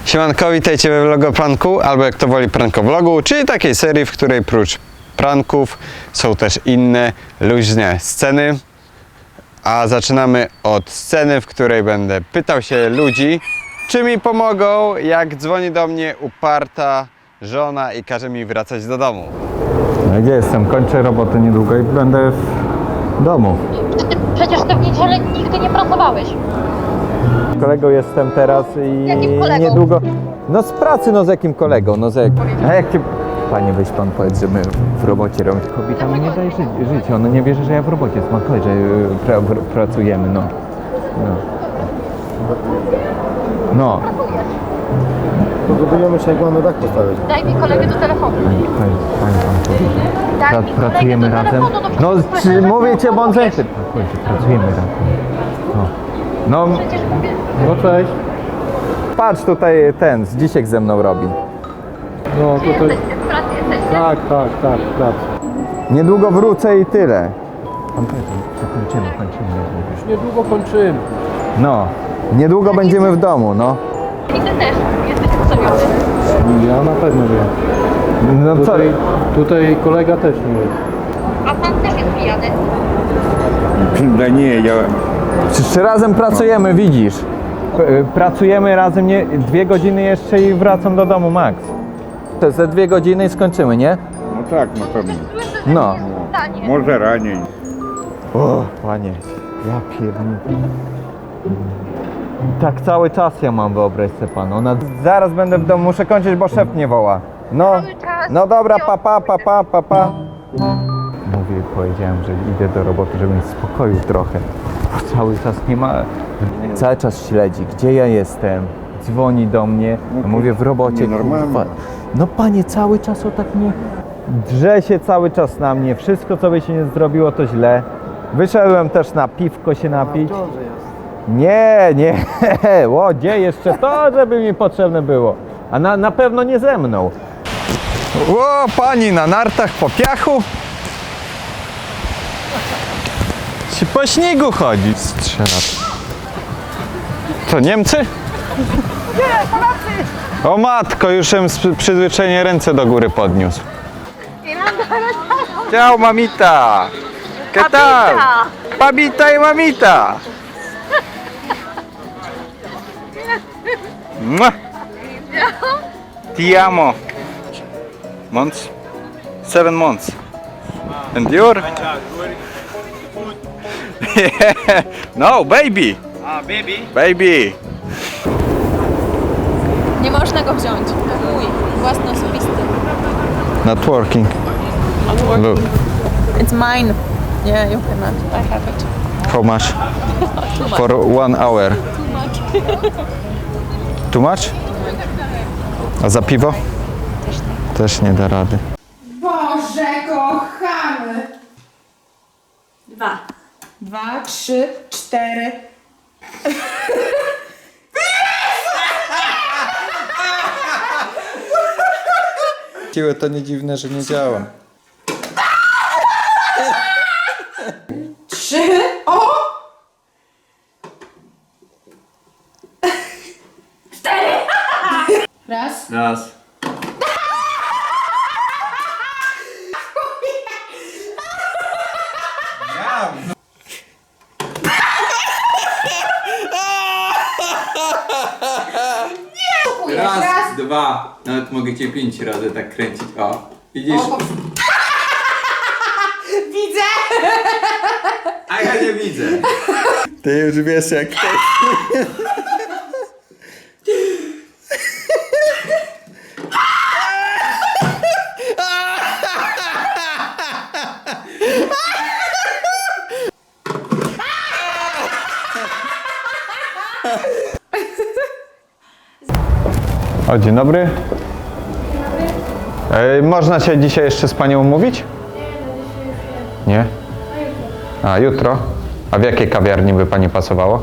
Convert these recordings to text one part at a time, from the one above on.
Siemanko, witajcie we vlogopranku, albo jak to woli prankowlogu, czyli takiej serii, w której prócz pranków są też inne luźne sceny. A zaczynamy od sceny, w której będę pytał się ludzi, czy mi pomogą, jak dzwoni do mnie uparta żona i każe mi wracać do domu. No gdzie jestem? Kończę robotę niedługo i będę w domu. Przecież ty w niedzielę nigdy nie pracowałeś. Kolegą jestem teraz i Jakim kolegą? niedługo... No z pracy, no z jakim kolegą? No z jak... A jak cię... Panie, weź pan powiedz, że my w robocie robimy. Kobieta mi nie daje żyć. Ona nie wierzy, że ja w robocie smakuję, że pracujemy, no. No. Pogadujemy się, jak mamy dach postawić. Daj mi kolegę do telefonu. Pani pan powiedział. Daj mi kolegę Pracujemy do razem? telefonu, do No, przecież mówię cię, telefonu bądź mówisz. pracujemy razem. No. No, Przecież mówię. No cześć. patrz tutaj ten, Zdzisiek ze mną robi. No Gdzie tutaj... jesteście? W pracy jesteście? Tak, pracy. Niedługo wrócę i tyle. Pan powiedział, że kończymy. Już niedługo kończymy. No, niedługo będziemy w domu, no. I ty też jesteś ustawiony. Ja na pewno wiem. No co? Tutaj kolega też nie jest. A pan też jest pijany. Да не, я... Przecież razem pracujemy, widzisz. Pracujemy razem 2 godziny jeszcze i wracam do domu, max. To ze 2 godziny i skończymy, nie? Ну так, напевно. No. Zdanie. Może raniej. O, panie, ja pierdolę. Tak cały czas ja mam, wyobraź sobie pan. Zaraz będę w domu, muszę kończyć, bo szef mnie woła. No, Cały czas. no dobra, pa. Mówię, powiedziałem, że idę do roboty, żeby mieć spokoju trochę. Bo cały czas nie ma... Cały czas śledzi, gdzie ja jestem. Dzwoni do mnie, ja mówię w robocie. Nienormalne. Kurwa. No panie, cały czas o tak nie... Drze się cały czas na mnie, wszystko co by się nie zrobiło to źle. Wyszedłem też na piwko się napić. Nie, o, gdzie jeszcze to, żeby mi potrzebne było. A na pewno nie ze mną. O, pani na nartach po piachu? Czy po śniegu chodzi? Strzela. To Niemcy? Nie, Polacy! O matko, już bym z przyzwyczajenia ręce do góry podniósł. Ciao, mamita! ¿Qué tal? Papita y mamita! Mua. Ti amo. Months? 7 months. And you're? Yeah. No, baby. Baby. Nie można go wziąć. To mój, własny, osobisty. Not working. Look, It's mine. Yeah, you cannot. I have it. how much? For 1 hour. Too much? A za piwo? Też nie da rady. Boże kochany! 2. 2, 3, 4. Siłę to nie dziwne, że nie działa. 3, o! 4. Raz. Raz. Raz. 2. Nawet mogę cię 5 razy tak kręcić. O, widzisz? Widzę! A ja nie widzę. Ty już wiesz jak to. O, dzień dobry. Można się dzisiaj jeszcze z panią umówić? Nie? A, jutro? A w jakiej kawiarni by pani pasowało?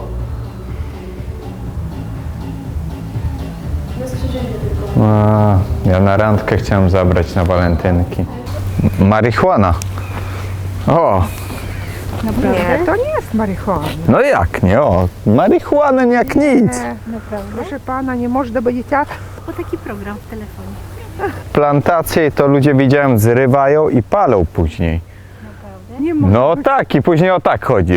A, ja na randkę chciałem zabrać na walentynki. Marihuana. O! Nie, to nie jest marihuana. No jak nie? O, marihuana nie jak nic. Proszę pana, nie można, bo dzieciak. Bo taki program w telefonie. Plantacje to ludzie widziałem zrywają i palą później. Nie może No być. tak i później o tak chodzi.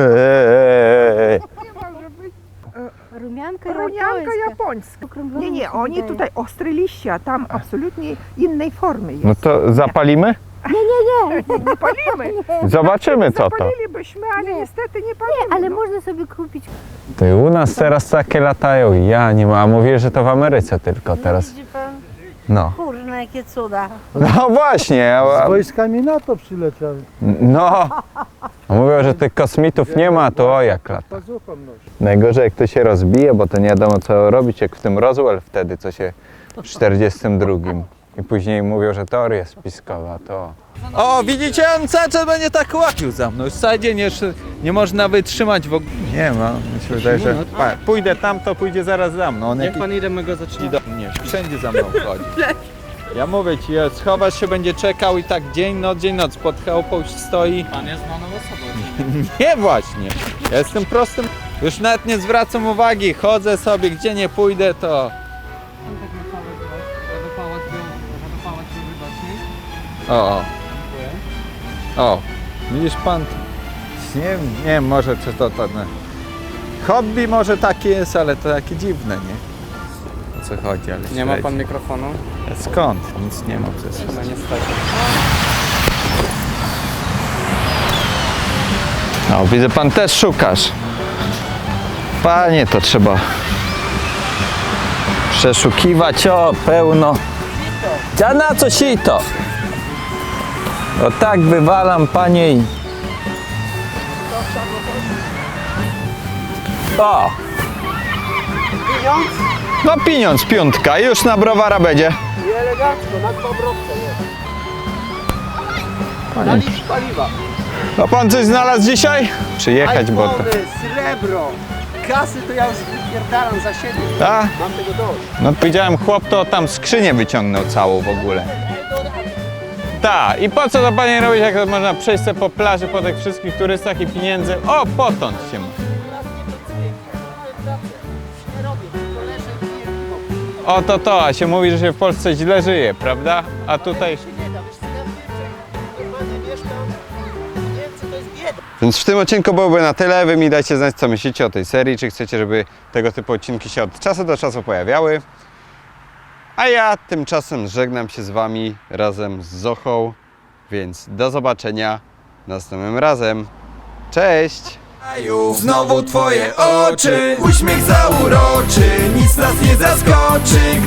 Nie może być. Rumianka Runianka japońska. Nie, oni tutaj ostre liście, a tam absolutnie innej formy jest. No to zapalimy? Nie palimy. Zobaczymy co to. Zapalilibyśmy, ale niestety nie palimy. Ale no. można sobie kupić. Ty, u nas teraz takie latają, ja nie mam, a mówię, że to w Ameryce tylko teraz. Widzi pan? No. Kurna, jakie cuda. No właśnie, Z wojskami NATO przyleciały. no. A mówią, że tych kosmitów nie ma, to o jak lata. Pazuchą nosi. Najgorzej jak to się rozbije, bo to nie wiadomo co robić, jak w tym Roswell wtedy, co się w 42. I później mówią, że teoria spiskowa, to... O, widzicie, on cały czas będzie tak łapił za mną. Już cały dzień jeszcze nie można wytrzymać w ogóle. Nie ma, mi się wydaje, że... Pójdę tam, to pójdzie zaraz za mną. On Jak jakiś... pan idę, my go zacznie do mnie. Wszędzie za mną chodzi. Ja mówię ci, schowasz się, będzie czekał i tak dzień, noc pod chałupą stoi. Pan jest znaną osobą. Nie właśnie. Ja jestem prostym. Już nawet nie zwracam uwagi. Chodzę sobie, gdzie nie pójdę, to... O, widzisz pan, nie wiem, może czy to hobby może takie jest, ale to takie dziwne, nie? O co chodzi, ale Nie ma pan mikrofonu? skąd? Nic nie ma przecież. No niestety. No, widzę, pan też szukasz. Panie, to trzeba przeszukiwać, o, pełno. Ja na co sito? O tak wywalam, panie i... O! No pieniądz, piątka, już na browara będzie. I elegancko, na dwa browce jest. Na litr paliwa. A pan coś znalazł dzisiaj? Przyjechać, bo to... srebro, kasy to ja już wypierdalam za siebie. A? Mam tego dość. No widziałem, chłop to tam skrzynię wyciągnął całą w ogóle. Tak, i po co to panie robić, jak to można przejść sobie po plaży, po tych wszystkich turystach i pieniędzy? O, potąd się ma. O to, a się mówi, że się w Polsce źle żyje, prawda? A tutaj... Więc w tym odcinku byłoby na tyle. Wy mi dajcie znać, co myślicie o tej serii, czy chcecie, żeby tego typu odcinki się od czasu do czasu pojawiały. A ja tymczasem żegnam się z wami razem z Zochą, więc do zobaczenia następnym razem. Cześć! Znowu twoje oczy, uśmiech zauroczy, nic nas nie zaskoczy.